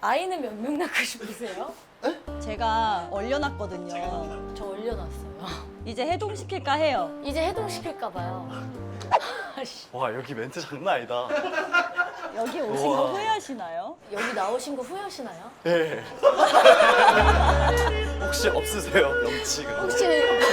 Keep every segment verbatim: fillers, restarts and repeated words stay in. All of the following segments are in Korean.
아이는 몇 명 낳고 싶으세요? 제가 얼려놨거든요. 저 올려놨어요. 이제 해동시킬까 해요. 이제 해동시킬까 봐요. 와 여기 멘트 장난 아니다. 여기 오신 우와. 거 후회하시나요? 여기 나오신 거 후회하시나요? 예. 혹시 없으세요 명치가? 혹시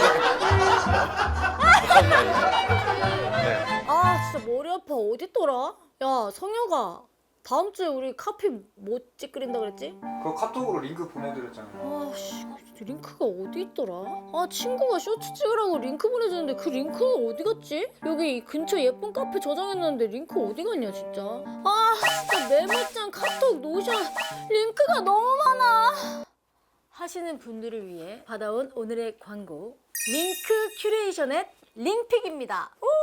네. 아 진짜 머리 아파. 어딨더라? 야 성혁아, 다음 주에 우리 카피 뭐 찌끄린다 그랬지? 그거 카톡으로 링크 보내드렸잖아요. 아씨 링크가 어디 있더라? 아 친구가 쇼츠 찍으라고 링크 보내주는데 그 링크는 어디 갔지? 여기 이 근처 예쁜 카페 저장했는데 링크 어디 갔냐 진짜. 아 진짜 메모장, 카톡, 노션 링크가 너무 많아 하시는 분들을 위해 받아온 오늘의 광고, 링크 큐레이션의 링픽입니다. 우!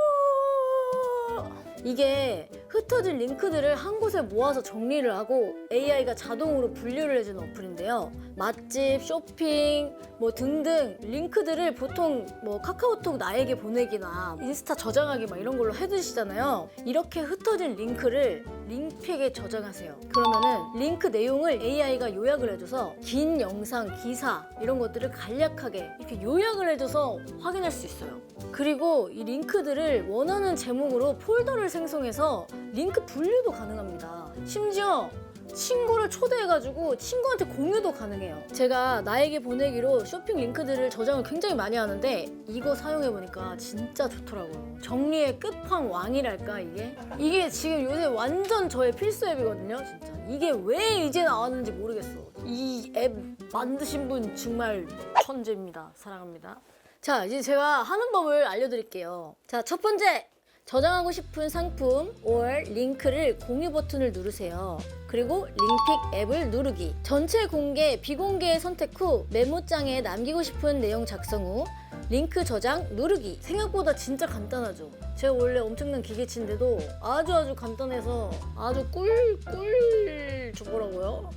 이게 흩어진 링크들을 한 곳에 모아서 정리를 하고 에이아이가 자동으로 분류를 해주는 어플인데요. 맛집, 쇼핑, 뭐 등등 링크들을 보통 뭐 카카오톡 나에게 보내기나 인스타 저장하기 막 이런 걸로 해두시잖아요. 이렇게 흩어진 링크를 링픽에 저장하세요. 그러면은 링크 내용을 에이아이가 요약을 해줘서 긴 영상, 기사 이런 것들을 간략하게 이렇게 요약을 해줘서 확인할 수 있어요. 그리고 이 링크들을 원하는 제목으로 폴더를 생성해서 링크 분류도 가능합니다. 심지어 친구를 초대해가지고 친구한테 공유도 가능해요. 제가 나에게 보내기로 쇼핑 링크들을 저장을 굉장히 많이 하는데 이거 사용해보니까 진짜 좋더라고요. 정리의 끝판왕이랄까 이게? 이게 지금 요새 완전 저의 필수 앱이거든요. 진짜 이게 왜 이제 나왔는지 모르겠어. 이 앱 만드신 분 정말 천재입니다. 사랑합니다. 자, 이제 제가 하는 법을 알려드릴게요. 자, 첫 번째! 저장하고 싶은 상품 or 링크를 공유 버튼을 누르세요. 그리고 링픽 앱을 누르기. 전체 공개, 비공개 선택 후 메모장에 남기고 싶은 내용 작성 후 링크 저장 누르기. 생각보다 진짜 간단하죠. 제가 원래 엄청난 기계치인데도 아주 아주 간단해서 아주 꿀꿀 좋더라고요.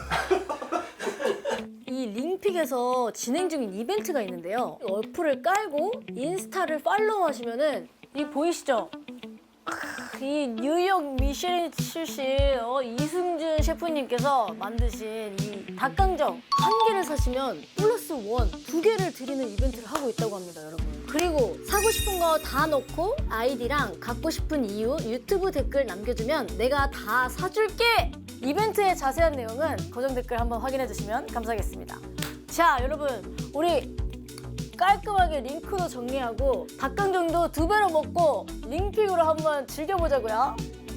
이 링픽에서 진행 중인 이벤트가 있는데요. 어플을 깔고 인스타를 팔로우 하시면은 이 보이시죠? 이 뉴욕 미쉐린 출신 어, 이승준 셰프님께서 만드신 이 닭강정 한 개를 사시면 플러스 원 두 개를 드리는 이벤트를 하고 있다고 합니다, 여러분. 그리고 사고 싶은 거 다 넣고 아이디랑 갖고 싶은 이유, 유튜브 댓글 남겨주면 내가 다 사줄게! 이벤트의 자세한 내용은 고정 댓글 한번 확인해 주시면 감사하겠습니다. 자, 여러분, 우리 깔끔하게 링크도 정리하고 닭강정도 두 배로 먹고 링픽으로 한번 즐겨보자고요.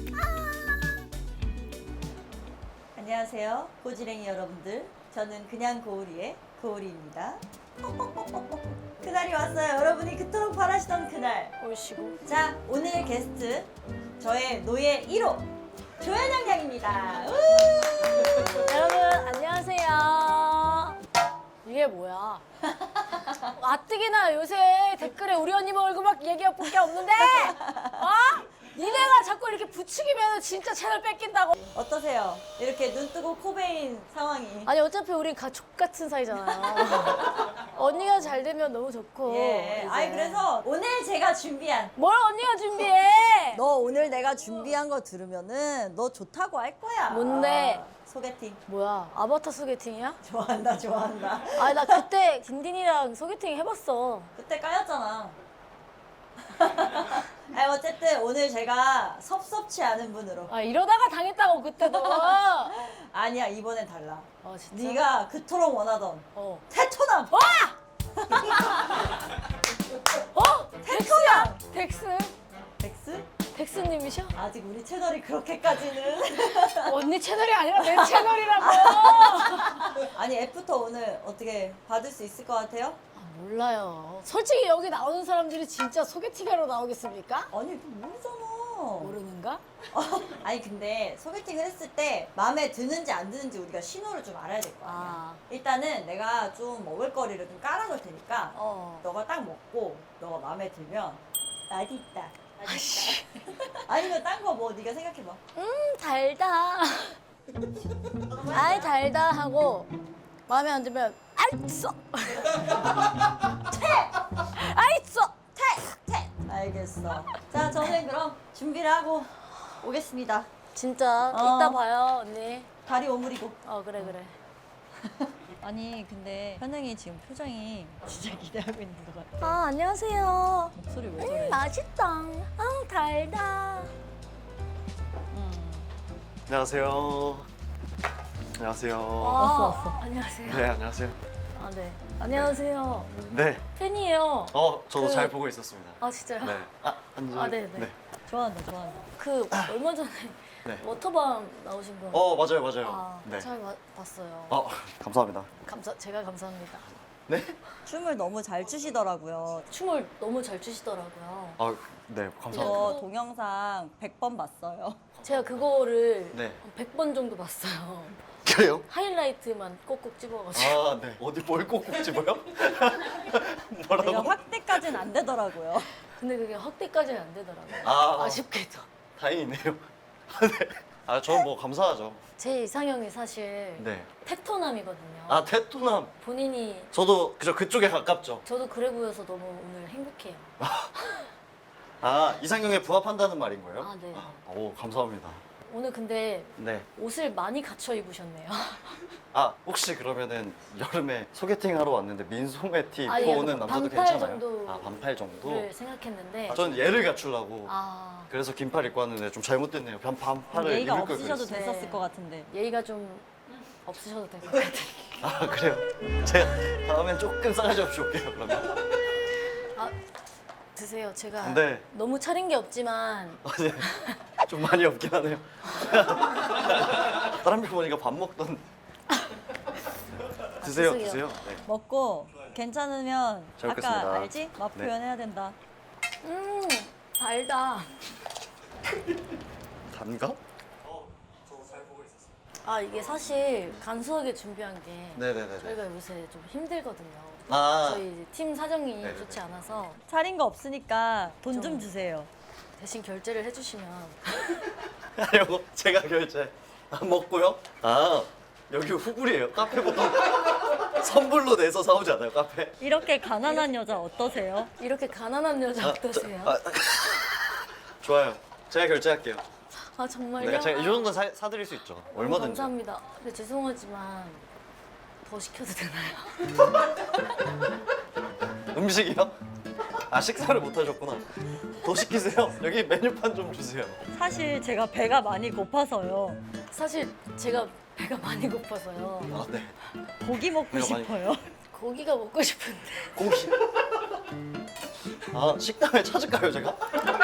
안녕하세요, 고지랭이 여러분들. 저는 그냥 고우리의 고우리입니다. 그날이 왔어요. 여러분이 그토록 바라시던 그날. 보시고. 자, 오늘 게스트 저의 노예 일 호 조현영 양입니다. 여러분 안녕하세요. 이게 뭐야? 가뜩이나 요새 댓글에 우리 언니 얼굴 막 얘기할 게 없는데? 어? 니네가 자꾸 이렇게 부추기면 진짜 채널 뺏긴다고. 어떠세요? 이렇게 눈 뜨고 코 베인 상황이. 아니 어차피 우리 가족 같은 사이잖아요. 언니가 잘 되면 너무 좋고. 예. 이제. 아니 그래서 오늘 제가 준비한 뭘 언니가 준비해? 너 오늘 내가 준비한 거 들으면은 너 좋다고 할 거야. 뭔데? 소개팅. 뭐야? 아바타 소개팅이야? 좋아한다 좋아한다. 아니 나 그때 딘딘이랑 소개팅 해봤어. 그때 까였잖아. 아니 어쨌든 오늘 제가 섭섭치 않은 분으로. 아 이러다가 당했다고 그때도. 아니야 이번엔 달라. 아 진짜? 네가 그토록 원하던 어. 테토남. 어? 덱스야? 덱스? 덱스? 덱스님이셔? 아직 우리 채널이 그렇게까지는. 언니 채널이 아니라 내 채널이라고. 아니 앱부터 오늘 어떻게 받을 수 있을 것 같아요? 아, 몰라요. 솔직히 여기 나오는 사람들이 진짜 소개팅하러 나오겠습니까? 아니 그거 모르잖아. 모르는가? 아니 근데 소개팅을 했을 때 마음에 드는지 안 드는지 우리가 신호를 좀 알아야 될 거 아니야. 아. 일단은 내가 좀 먹을거리를 좀 깔아놓을 테니까 어. 너가 딱 먹고 너가 마음에 들면 맛있다. 맛있다. 아니면 딴 거 뭐 네가 생각해봐. 음 달다. 아이 달다 하고 마음에 안 들면 알았어. 알았어. 퇴! 퇴! 알겠어. 자 저는 그럼 준비를 하고 오겠습니다. 진짜 어. 이따 봐요 언니. 다리 오므리고. 어 그래 그래. 아니 근데 현영이 지금 표정이 진짜 기대하고 있는 것 같아. 아 안녕하세요. 목소리 왜 저래? 음, 맛있다. 아 달다. 음. 안녕하세요. 안녕하세요. 왔어 왔어. 안녕하세요. 네, 안녕하세요. 아 네. 안녕하세요. 네. 팬이에요. 어, 저도 그- 잘 보고 있었습니다. 아 진짜요? 네. 아, 앉아. 아, 네, 네. 좋아한다 좋아한다. 그 얼마 전에 네. 워터밤 나오신 거. 어, 맞아요, 맞아요. 아, 네. 잘 봐- 봤어요. 어, 감사합니다. 감사 제가 감사합니다. 네? 춤을 너무 잘 추시더라고요. 춤을 너무 잘 추시더라고요. 아, 네, 감사합니다. 이거 동영상 백 번 봤어요. 제가 그거를 네. 백 번 정도 봤어요. 그래요? 하이라이트만 꼭꼭 집어가지고. 아, 네. 어디 뭘 꼭꼭 집어요? 내가 뭐라고? 확대까지는 안 되더라고요. 근데 그게 확대까지는 안 되더라고요. 아. 아쉽게도. 다행이네요. 네. 아, 저는 뭐 감사하죠. 제 이상형이 사실 네. 테토남이거든요. 아, 테토남. 본인이 저도 그저 그쪽에 가깝죠. 저도 그래 보여서 너무 오늘 행복해요. 아, 이상형에 부합한다는 말인 거예요? 아, 네. 오, 감사합니다. 오늘 근데 네. 옷을 많이 갖춰 입으셨네요. 아, 혹시 그러면은 여름에 소개팅 하러 왔는데 민소매 티 입고 아니, 약간 오는 남자도 반팔 괜찮아요? 정도. 아, 반팔 정도? 를 생각했는데. 아, 저는 얘를 갖추려고. 아, 그래서 긴팔 입고 왔는데 좀 잘못됐네요. 반, 반팔을 예의가 입을 걸 없으셔도 그랬어요. 됐었을 네. 것 같은데. 예의가 좀 없으셔도 될 것 같아요. 아, 그래요? 제가 다음엔 조금 싸가지 없이 올게요, 그러면. 아, 드세요. 제가 네. 너무 차린 게 없지만 어, 네. 좀 많이 없긴 하네요. 다른 분 보니까 밥 먹던. 드세요, 드세요. 드세요. 네. 먹고 괜찮으면 잘 아까 먹겠습니다. 알지? 맛 네. 표현해야 된다. 음 달다. 단가? 아 이게 사실 간소하게 준비한 게 네네네. 저희가 요새 좀 힘들거든요. 아, 저희 이제 팀 사정이 네네네. 좋지 않아서 차린 거 없으니까 돈 좀 좀. 주세요. 대신 결제를 해주시면 이거 제가 결제 안 먹고요. 아, 여기 후불이에요. 카페 보통 선불로 내서 사오지 않아요, 카페? 이렇게 가난한 여자 어떠세요? 이렇게 가난한 여자 아, 어떠세요? 저- 아, 좋아요. 제가 결제할게요. 아 정말요? 내가 제가 이 정도 사, 사드릴 수 있죠. 너무 얼마든지. 감사합니다. 근데 죄송하지만 더 시켜도 되나요? 음식이요? 아, 식사를 못 하셨구나. 더 시키세요. 여기 메뉴판 좀 주세요. 사실 제가 배가 많이 고파서요. 사실 제가 배가 많이 고파서요. 아, 네. 고기 먹고 배가 많이- 싶어요. 고기가 먹고 싶은데. 고기. 아, 식당에 찾을까요, 제가?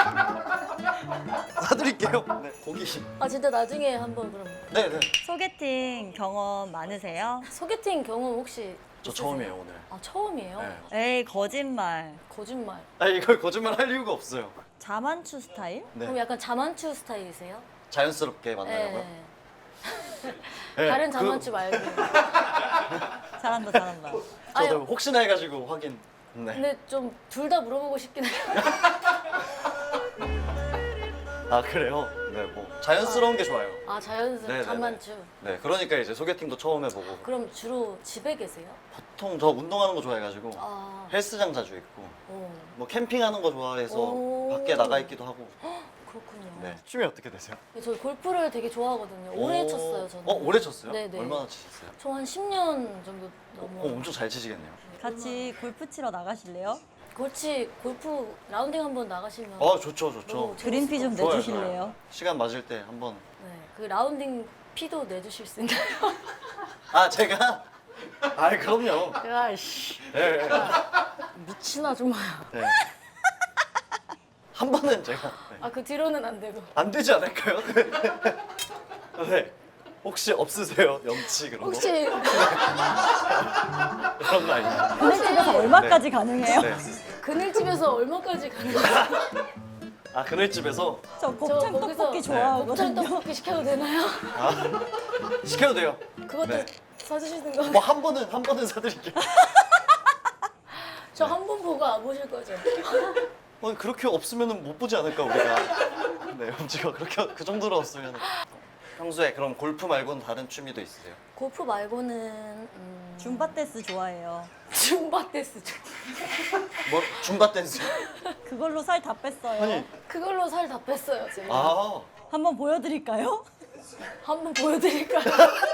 사드릴게요. 네, 고기. 아 진짜 나중에 한번 그럼 네, 네. 소개팅 경험 많으세요? 소개팅 경험 혹시 저 있으세요? 처음이에요, 오늘. 아 처음이에요? 네. 에이 거짓말. 거짓말. 아, 이걸 거짓말 할 이유가 없어요. 자만추 스타일? 그럼 네. 약간 자만추 스타일이세요? 자연스럽게 만나려고요? 네. 네, 다른 그- 자만추 말고. 잘한다 잘한다. 저도 아니, 혹시나 해가지고 확인. 네. 근데 좀 둘 다 물어보고 싶긴 해요. 아, 그래요? 네, 뭐 자연스러운 게 좋아요. 아 자연스러운 네네네. 자만추. 네, 그러니까 이제 소개팅도 처음 해보고. 그럼 주로 집에 계세요? 보통 저 운동하는 거 좋아해가지고 아. 헬스장 자주 있고 오, 뭐 캠핑하는 거 좋아해서 오. 밖에 나가 있기도 하고. 그렇군요. 네. 취미 어떻게 되세요? 저 골프를 되게 좋아하거든요. 오래 오. 쳤어요, 저는. 어, 오래 쳤어요? 네네. 얼마나 치셨어요? 저 한 십 년 정도 어, 넘어. 어, 엄청 잘 치시겠네요. 같이 골프 치러 나가실래요? 골치 골프 라운딩 한번 나가시면. 어, 좋죠, 좋죠. 너무 그린피 좀 좋아요, 내주실래요? 좋아요. 시간 맞을 때 한번. 네, 그 라운딩 피도 내주실 수 있나요? 아, 제가? 아, 그럼요. 야, 씨. 네, 네. 미친 아줌마야. 네. 한 번은 제가 네. 아, 그 뒤로는 안 되고. 안 되지 않을까요? 네. 혹시 없으세요? 염치 그런 거? 혹시 그런 거 아니죠? 그늘집에서 얼마까지 가능해요? 네. 그늘집에서 얼마까지 가는 거예요? 아, 그늘집에서 저 곱창 거기서 떡볶이 곱창 좋아하거든요. 떡볶이 시켜도 되나요? 아, 시켜도 돼요. 그것도 네. 사주시는 거. 뭐 한 번은 한 번은 사드릴게요. 저 한 번 보고 안 보실 거죠? 어, 그렇게 없으면은 못 보지 않을까 우리가. 네, 염치가 그렇게 그 정도로 없으면. 평소에 그럼 골프 말고는 다른 취미도 있으세요? 골프 말고는 음... 줌바 댄스 좋아해요. 줌바 댄스 좀. 뭐 줌바 댄스? 그걸로 살 다 뺐어요. 아니, 그걸로 살 다 뺐어요, 제가. 아, 한번 보여드릴까요? 한번 보여드릴까요?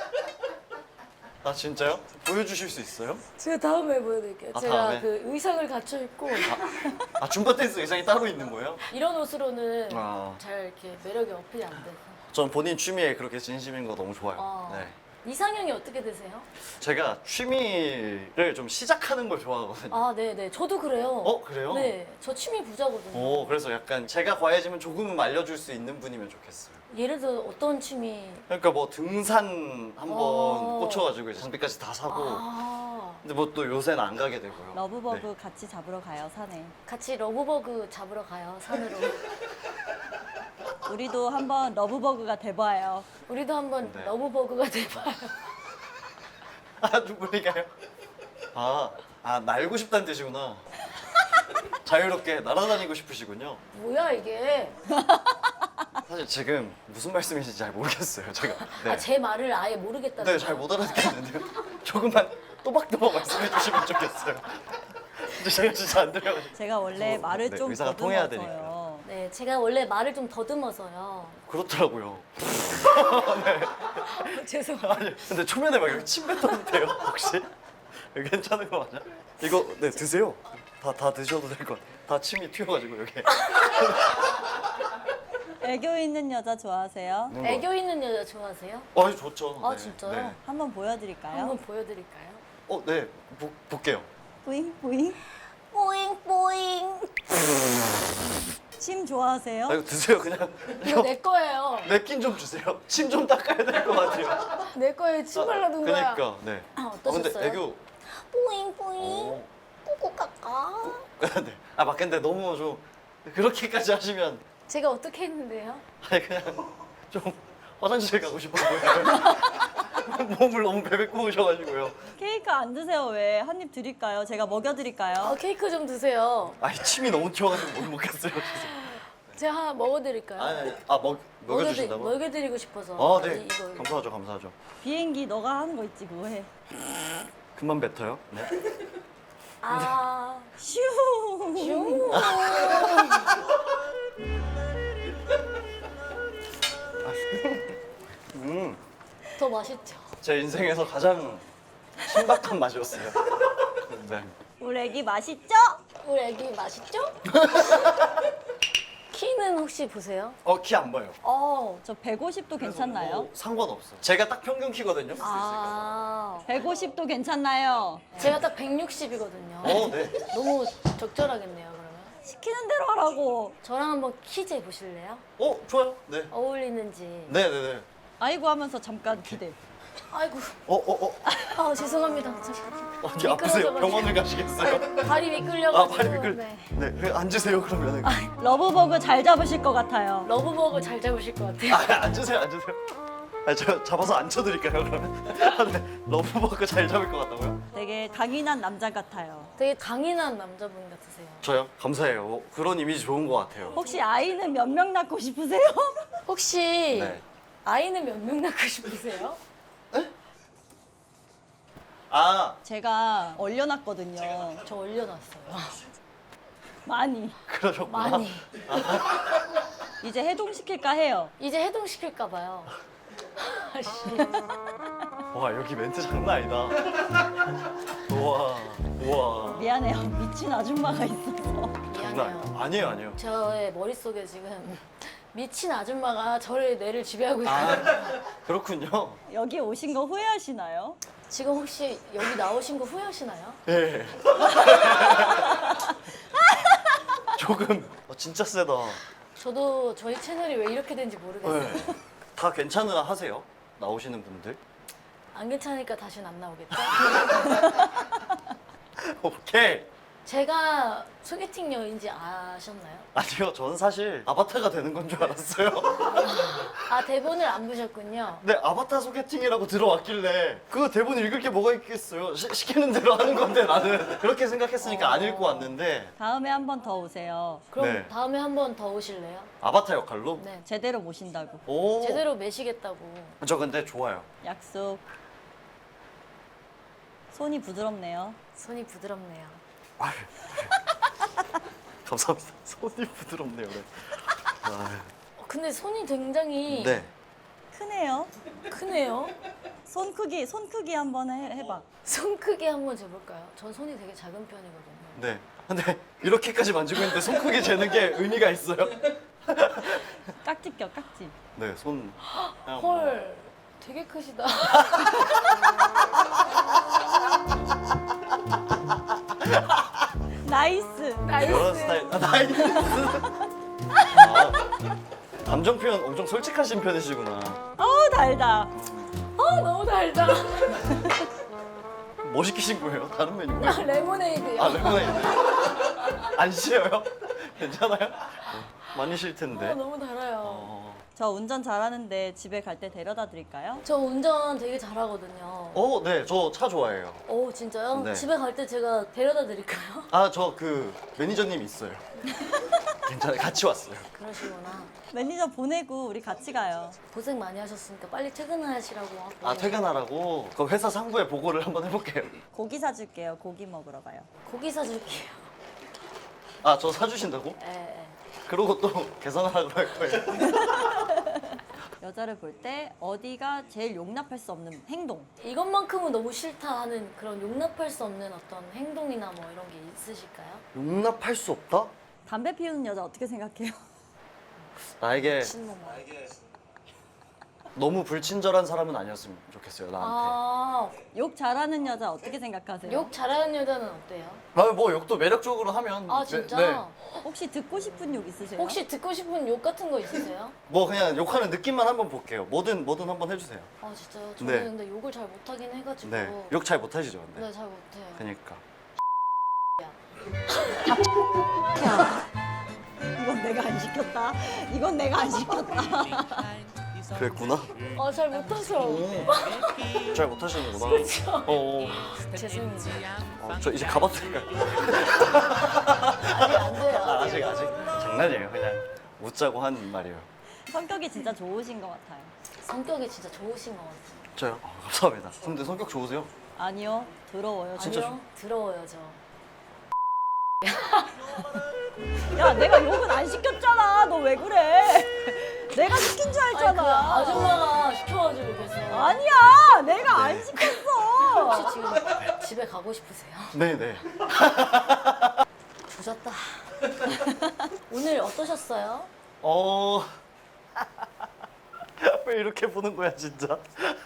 아 진짜요? 보여주실 수 있어요? 제가 다음에 보여드릴게요. 아, 제가 다음에? 그 의상을 갖춰 입고 아 줌바 댄스 의상이 따로 있는 거예요? 이런 옷으로는 아. 잘 이렇게 매력이 어필이 안 돼서. 전 본인 취미에 그렇게 진심인 거 너무 좋아요. 어. 네. 이상형이 어떻게 되세요? 제가 취미를 좀 시작하는 걸 좋아하거든요. 아, 네, 네. 저도 그래요. 어 그래요? 네, 저 취미 부자거든요. 오 그래서 약간 제가 과해지면 조금은 알려줄 수 있는 분이면 좋겠어요. 예를 들어 어떤 취미? 그러니까 뭐 등산 한번 어. 꽂혀가지고 이제 장비까지 다 사고. 아, 근데 뭐 또 요새는 안 가게 되고요. 러브버그 네. 같이 잡으러 가요, 산에. 같이 러브버그 잡으러 가요, 산으로. 우리도 한번 러브버그가 돼봐요. 우리도 한번 네. 러브버그가 돼봐요. 아 누구니까요? 아, 아 날고 싶다는 뜻이구나. 자유롭게 날아다니고 싶으시군요. 뭐야 이게? 사실 지금 무슨 말씀이신지 잘 모르겠어요. 제가. 네. 아, 제 말을 아예 모르겠다는 네, 잘 못 알아듣겠는데요. 조금만 또박또박 말씀해 주시면 좋겠어요. 근데 제가 진짜 안 들려가지고. 제가 원래 어, 말을 네, 좀 의사가 통해야 더듬어서요. 네, 제가 원래 말을 좀 더듬어서요. 그렇더라고요. 죄송합니다. 아니, 근데 초면에 막 여기 침 뱉었는데요, 혹시? 여기 괜찮은 거 맞아? 이거 네 드세요. 다 다 드셔도 될 것 같아요. 다 침이 튀어가지고 여기. 애교 있는 여자 좋아하세요? 애교 있는 여자 좋아하세요? 아, 좋죠. 아, 네, 진짜요? 네. 한번 보여드릴까요? 한번 보여드릴까요? 어, 네, 보, 볼게요. 뿌잉 뿌잉. 뽀잉 뽀잉. 침 좋아하세요? 아, 이거 드세요, 그냥. 이거 내 거예요. 냅킨 좀 주세요. 침 좀 닦아야 될 것 같아요. 내 거에 침 발라둔 거야. 그러니까, 네. 아, 어, 근데 어떠셨어요? 애교. 뽀잉 뽀잉. 어. 꼬꼬 까까. 네. 아, 막 근데 너무 좀 그렇게까지 하시면 제가 어떻게 했는데요? 아니 그냥 좀 화장실 가고 싶어요. 몸을 너무 베베고 오셔가지고요. 케이크 안 드세요 왜? 한 입 드릴까요? 제가 먹여드릴까요? 아, 케이크 좀 드세요. 아니 침이 너무 튀어가지고 못 먹겠어요. 제가 하나 먹어드릴까요? 아니, 아 먹, 먹여주신다고? 먹여드- 먹여드리고 싶어서. 아, 네. 이- 이거. 감사하죠, 감사하죠. 비행기 너가 하는 거 있지 그거 해. 그만 뱉어요. 네. 아, 슈. 슝. 음, 더 맛있죠? 제 인생에서 가장 신박한 맛이었어요. 네. 우리 애기 맛있죠? 우리 애기 맛있죠? 키는 혹시 보세요? 어, 키 안 봐요. 어. 저 백오십도 괜찮나요? 뭐 상관없어요. 제가 딱 평균 키거든요. 아. 백오십도 괜찮나요? 제가 딱 백육십이거든요. 어, 네. 너무 적절하겠네요, 그러면. 시키는 대로 하라고. 저랑 한번 키 재보실래요? 어, 좋아요. 네. 어울리는지. 네, 네, 네. 아이고 하면서 잠깐 기대. 아이고, 어, 어, 어. 아 죄송합니다. 저- 어디 아프세요? 미끄러져가지고. 병원을 가시겠어요? 발이 미끌려가지고. 아, 발이 미끌. 네. 네, 네, 앉으세요 그러면. 아, 러브버그 잘 잡으실 것 같아요. 러브버그 잘 잡으실 것 같아요. 앉으세요, 앉으세요. 아, 저 잡아서 앉혀드릴까요 그러면? 아, 네. 러브버그 잘 잡을 것 같다고요? 되게 강인한 남자 같아요. 되게 강인한 남자분 같으세요. 저요? 감사해요. 어, 그런 이미지 좋은 것 같아요. 혹시 아이는 몇 명 낳고 싶으세요? 혹시 네. 아이는 몇 명 낳고 싶으세요? 아, 제가 얼려놨거든요. 저 올려놨어요. 많이. 그러셨구나. 많이. 이제 해동시킬까 해요. 이제 해동시킬까 봐요. 아씨. 와, 여기 멘트 장난 아니다. 우와, 우와. 미안해요. 미친 아줌마가 있어서. 장난 미안해요. 아니- 아니에요, 아니에요. 저의 머릿속에 지금 미친 아줌마가 저를 뇌를 지배하고 있어요. 아, 그렇군요. 여기 오신 거 후회하시나요? 지금 혹시 여기 나오신 거 후회하시나요? 예. 조금. 어, 진짜 세다. 저도 저희 채널이 왜 이렇게 된지 모르겠어요. 네. 다 괜찮으나 하세요? 나오시는 분들? 안 괜찮으니까 다시는 안 나오겠죠? 오케이. 제가 소개팅 여인지 아셨나요? 아니요, 저는 사실 아바타가 되는 건 줄 알았어요. 아, 대본을 안 보셨군요. 네, 아바타 소개팅이라고 들어왔길래 그 대본 읽을 게 뭐가 있겠어요? 시, 시키는 대로 하는 건데 나는 그렇게 생각했으니까 안 읽고 왔는데 다음에 한 번 더 오세요. 네. 그럼 다음에 한 번 더 오실래요? 아바타 역할로? 네. 제대로 모신다고. 오. 제대로 매시겠다고. 저 근데 좋아요. 약속. 손이 부드럽네요. 손이 부드럽네요. 아유, 감사합니다. 손이 부드럽네요. 네. 아유. 어, 근데 손이 굉장히 네. 크네요. 크네요. 손 크기, 손 크기 한번 해, 해봐. 손 크기 한번 재볼까요? 전 손이 되게 작은 편이거든요. 네. 근데 이렇게까지 만지고 있는데 손 크기 재는 게 의미가 있어요? 깍지 껴, 깍지. 네, 손. 그냥 헐, 되게 크시다. 나이스. 나이스. 여러 스타일. 아, 나이스. 아, 감정 표현 엄청 솔직하신 편이시구나. 어우, 달다. 아, 너무 달다. 뭐 시키신 거예요? 다른 메뉴? 아, 레모네이드요. 아, 레모네이드. 안 쉬어요? 괜찮아요? 많이 쉴 아, 텐데. 너무 달아요. 어. 저 운전 잘하는데 집에 갈 때 데려다 드릴까요? 저 운전 되게 잘하거든요. 어, 네, 저 차 좋아해요. 오, 진짜요? 네. 집에 갈 때 제가 데려다 드릴까요? 아, 저 그 매니저님 있어요. 괜찮아요. 같이 왔어요. 그러시구나. 매니저 보내고 우리 같이 가요. 고생 많이 하셨으니까 빨리 퇴근하시라고 하고. 아, 퇴근하라고? 그 회사 상부에 보고를 한번 해볼게요. 고기 사줄게요. 고기 먹으러 가요. 고기 사줄게요. 아, 저 사주신다고? 예, 예. 그러고 또 계산하라고 할 거예요. 여자를 볼 때 어디가 제일 용납할 수 없는 행동. 이것만큼은 너무 싫다 하는 그런 용납할 수 없는 어떤 행동이나 뭐 이런 게 있으실까요? 용납할 수 없다? 담배 피우는 여자 어떻게 생각해요? 나에게 미친놈아. 너무 불친절한 사람은 아니었으면 좋겠어요, 나한테. 아, 욕 잘하는 여자 어떻게 생각하세요? 욕 잘하는 여자는 어때요? 아, 뭐 욕도 매력적으로 하면. 아, 네, 진짜? 네. 혹시 듣고 싶은 욕 있으세요? 혹시 듣고 싶은 욕 같은 거 있으세요? 뭐 그냥 욕하는 느낌만 한번 볼게요. 뭐든 뭐든 한번 해주세요. 아, 진짜요? 저는 네. 근데 욕을 잘 못하긴 해가지고. 네. 욕 잘 못하시죠, 근데. 네, 잘 못해요. 그러니까. 이건 내가 안 시켰다. 이건 내가 안 시켰다. 그랬구나. 아, 잘 못해서. 잘 못하시는구나. 그렇죠. 어, 죄송합니다. 어, 저 이제 가봐도 될까요? 아직 안 돼요. 아, 아직 아직 장난이에요. 그냥 웃자고 한 말이에요. 성격이 진짜 좋으신 것 같아요. 성격이 진짜 좋으신 것 같아요. 저요? 어, 감사합니다. 근데 성격 좋으세요? 아니요, 더러워요. 진짜 아니요, 더러워요, 저. 야, 내가 욕은 안 시켰잖아. 너 왜 그래? 내가 시킨 줄 아니, 그 알잖아. 아줌마가 시켜가지고 계속. 아니야, 내가 안 시켰어. 혹시 지금 집에 가고 싶으세요? 네네. 조졌다. 오늘 어떠셨어요? 어. 왜 이렇게 보는 거야, 진짜?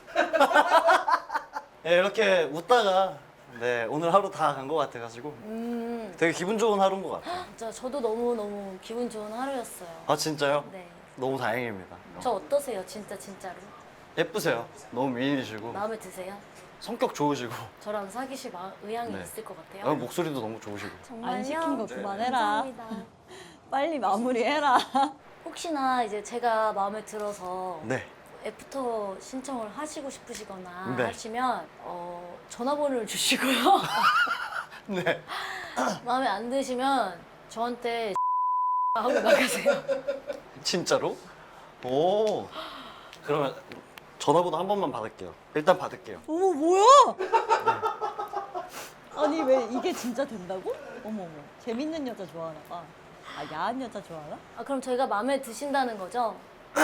네, 이렇게 웃다가 네 오늘 하루 다 간 것 같아가지고 음, 되게 기분 좋은 하루인 것 같아요. 진짜 저도 너무 너무 기분 좋은 하루였어요. 아 진짜요? 네. 너무 다행입니다. 저 어떠세요, 진짜 진짜로? 예쁘세요. 너무 미인이시고 마음에 드세요? 성격 좋으시고 저랑 사귀실 마, 의향이 네. 있을 것 같아요. 아, 목소리도 너무 좋으시고. 정말요? 안 시킨 거 그만해라. 감사합니다. 빨리 마무리해라. 혹시나 이제 제가 마음에 들어서 네. 애프터 신청을 하시고 싶으시거나 네. 하시면 어, 전화번호를 주시고요. 네. 마음에 안 드시면 저한테 하고 나가세요. 진짜로? 오. 그러면 전화번호 한 번만 받을게요. 일단 받을게요. 어머, 뭐야? 아니, 왜 이게 진짜 된다고? 어머, 어머. 재밌는 여자 좋아하나 봐. 아, 야한 여자 좋아하나? 아, 그럼 제가 마음에 드신다는 거죠?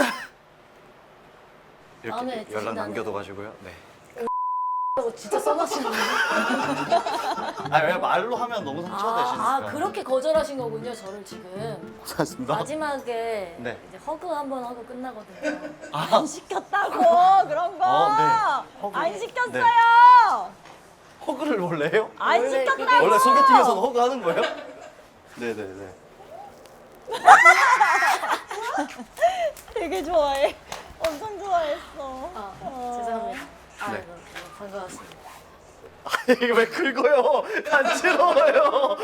마음에 이렇게 드신다는 연락 남겨둬가지고요. 네. 라고 진짜 써놨시는 거예요? 아, 왜 말로 하면 너무 상처되시니까. 아, 아, 그렇게 거절하신 거군요, 저를 지금. 고맙습니다. 마지막에 네. 이제 허그 한번 하고 끝나거든요. 아, 안 시켰다고, 그런 거. 어, 네. 허그. 안 시켰어요. 네. 허그를 원래 해요? 안 원래 시켰다고. 그게- 원래 소개팅에서는 허그 하는 거예요? 네네네. 되게 좋아해. 엄청 좋아했어. 아, 어. 죄송합니다. 아, 네. 네. 반가웠습니다. 이게 왜 긁어요? 간지러워요.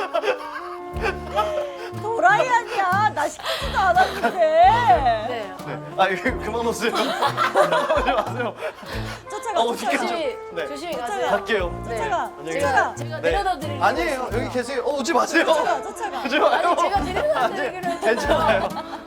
도라이 아니야. 나 시키지도 않았는데. 네. 네. 아, 이거 그만 오세요. 오지 마세요. 쫓아가, 아, 어떡해. 쫓아가. 조심히, 네. 조심히 쫓아가. 가세요. 갈게요. 네. 쫓아가. 안녕히 제가, 쫓아가. 제가 네. 데려다 드리려고 아니에요. 했습니다. 여기 계세요. 어, 오지 마세요. 쫓아가, 쫓아가. 오지 마요. 아니, 제가 데려다 드리기로 했잖아요. 괜찮아요.